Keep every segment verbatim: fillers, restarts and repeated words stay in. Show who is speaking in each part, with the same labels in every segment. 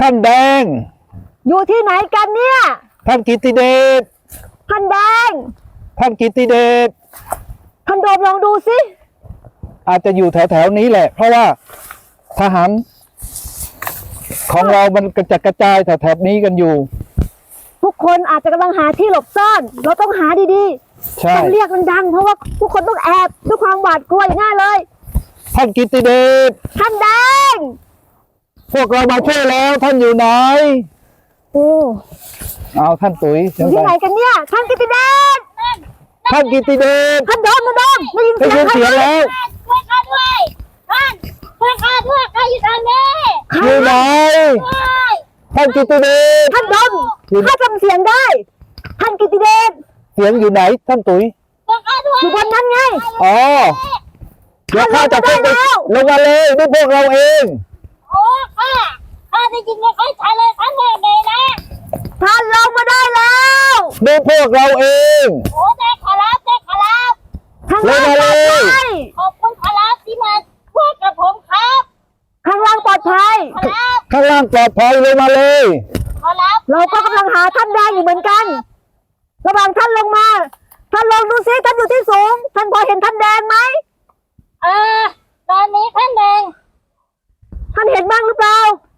Speaker 1: ท่านแดง
Speaker 2: อยู่ที่ไหนกันเนี่ย
Speaker 1: ท่านกิตติเดช
Speaker 2: ท่านแดง
Speaker 1: ท่านกิตติเดช
Speaker 2: ท่านโดมลองดูสิ
Speaker 1: อาจจะอยู่แถวๆนี้แหละเพราะว่าทหารของเรามันกระจัดกระจายแถวๆนี้กันอยู่
Speaker 2: ทุกคนอาจจะกำลังหาที่หลบซ่อนเราต้องหาดีๆต้องเรียกมันดังเพราะว่าทุกคนต้องแอบด้วยความหวาดกลัวอย่างง่ายเลย
Speaker 1: ท่านกิตติเดช
Speaker 2: ท่านแดง
Speaker 1: พวกเรามาช่วยแล้วท่านอยู่ไหน
Speaker 2: โอ้
Speaker 1: เอาท่านตุ๋ย
Speaker 2: อยู่ที่ไหนกันเนี่ยท่านกิตติเดช
Speaker 1: ท่านกิตติเดช
Speaker 2: ท่านโดมท่านโดมได้ยินเสียง
Speaker 1: เสียงแล้ว
Speaker 3: ช่วยข้าด้วยท่านช่วยข้าด้วยข้าอยู่ทางนี้
Speaker 1: อยู่ไหนท่านกิตติเดช
Speaker 2: ท่านโดมข้าจำเสียงได้ท่านกิตติเดช
Speaker 1: เสียงอยู่ไหนท่านตุ๋ย
Speaker 2: อยู่บนนั้นไง
Speaker 1: อ๋อเดี๋ยวข้าจะขึ้นไปลงมาเลยด้วยพวกเราเอง
Speaker 3: โอ้ข้าข้าได้ยินไม่ค่อยชัดเลยท่านเลยไงนะ
Speaker 2: ท่านลงมาได้แล้ว
Speaker 1: ด้วยพวกเราเอง
Speaker 3: โอ้ได้ขอรับได้ขอรับ
Speaker 2: ข้างล่างปลอดภัย
Speaker 3: ขอบคุณขอรับที่มาช่วยกับผมครับ
Speaker 2: ข้างล่างปลอดภัย
Speaker 1: ข้างล่างปลอดภัยเลยมาเลย
Speaker 3: ขอรับ
Speaker 2: เราก็กำลังหาท่านแดงอยู่เหมือนกันระหว่างท่านลงมาท่านลองดูซิท่านอยู่ที่สูงท่านพอเห็นท่านแดงไหม
Speaker 3: เออตอนนี้ท่านแดง
Speaker 2: ท่านเห็นบ้างหรือเปล่า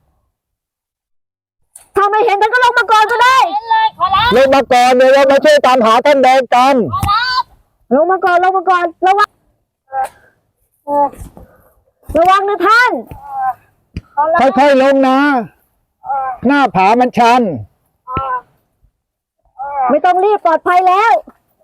Speaker 2: ถ้าไม่เห็นท่านก็ลงมาก่อนก็ได้
Speaker 3: เห็นเลยขอรับ
Speaker 1: ลงมาก่อนเดี๋ยวเรามาช่วยตามหาท่านแดงกัน
Speaker 3: ขอรับ
Speaker 2: ลงมาก่อนลงมาก่อนระวังระวังนะท่าน
Speaker 1: ค่อยๆลงนะหน้าผามันชัน
Speaker 2: ไม่ต้องรีบปลอดภัยแล้ว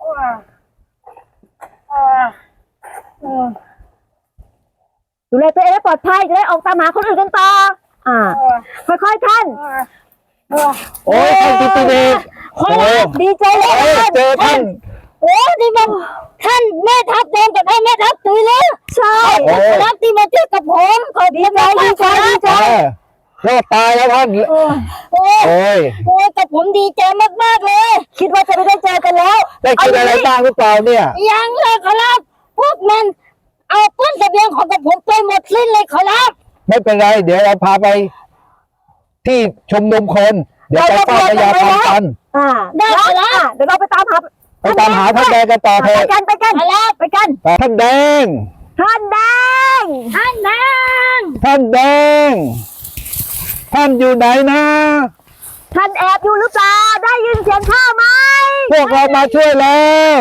Speaker 2: ดูแลตัวเองให้ปลอดภัยจะได้ออกตามหาคนอื่นกันต่ออ่าค่อยๆท่าน
Speaker 1: โอ้ยท่านกิตติเดช
Speaker 2: โอ้ดีใจเลย
Speaker 1: เจอท่าน
Speaker 3: โอ้ที่มันท่านแม่ทัพเดินกับท่านแม่ทัพตุยแล้ว
Speaker 2: ใช่
Speaker 3: รับที่มาเจอกับผมขอ
Speaker 2: ดีใจดีใจดีใจ
Speaker 1: รอดตายแล้วท่าน
Speaker 3: โอ้โอ้โอ้แต่ผมดีใจมากๆเลย
Speaker 2: คิดว่าจะไม่ได้เจอกันแล้ว
Speaker 1: ได้กินอะไรบ้างหรือเปล่าเนี่ย
Speaker 3: ยังเลยขอรับพวกมันเอาต้นเสบียงของกับผมไปหมดสิ้นเลยขอรับ
Speaker 1: ไม่เป็นไรเดี๋ยวเราพาไปที่ชมนุมคนเดี๋ยวไปเฝ้าพญาธรรมกัน
Speaker 2: อ่าได้แล้วเดี๋ยวเราไปตามหา
Speaker 1: ไปตามหาท่านแดงกันต่อเถอะ
Speaker 2: ไปกันไปกันไปกัน
Speaker 1: ท่านแดง
Speaker 2: ท่านแดง
Speaker 3: ท่านแดง
Speaker 1: ท่านแดงท่านอยู่ไหนนะ
Speaker 2: ท่านแอบอยู่หรือเปล่าได้ยินเสียงข้าไหม
Speaker 1: พวกเรามาช่วยแล้ว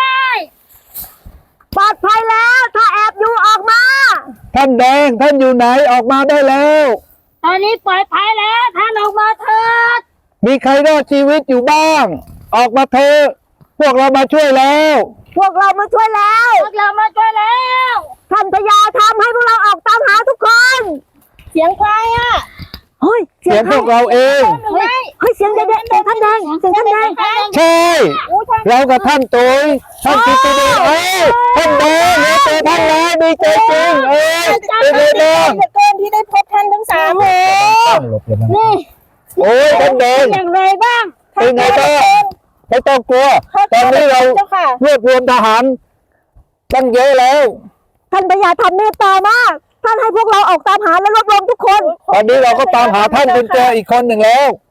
Speaker 2: ปลอดภัยแล้วถ้าแอบอยู่ออกมา
Speaker 1: ท่านแดงท่านอยู่ไหนออกมาได้แล้ว
Speaker 3: ตอนนี้ปลอดภัยแล้วท่านออกมาเถิด
Speaker 1: มีใครรอดชีวิตอยู่บ้างออกมาเถอะพวกเรามาช่วยแล้ว
Speaker 2: พวกเรามาช่วยแล้ว
Speaker 3: พวกเรามาช่วยแล้ว
Speaker 2: ท่านพญาทำให้พวกเราออกตามหาทุกคน
Speaker 3: เสียงใครอ่ะ
Speaker 2: เฮ้ย
Speaker 1: เสียงพวกเราเอง
Speaker 2: เฮ้ยเสียงแดงเสียงท่านแดงเสียงท่านแดง
Speaker 1: ใช่เรากับท่านตุ๋ยท่านกิตติเดชเอ้ยท่านแดงเราเจอท่านแล้วดีใจจริงเอ้ยเป็นไงบ้าง
Speaker 3: เกินที่ได้พบท่านทั้งสามเลยนี่
Speaker 1: โอ้ยท่านแดง
Speaker 3: อย่างไรบ้าง
Speaker 1: เป็นไงบ้างไม่ต้องกลัวตอนนี้เรารวบรวมทหารตั้งเยอะแล้ว
Speaker 2: ท่านพญาทำเมตตามากท่านให้พวกเราออกตามหาและรวบรวมทุกคน
Speaker 1: ตอนนี้เราก็ตามหาท่านจนเจออีกคนหนึ่งแล้ว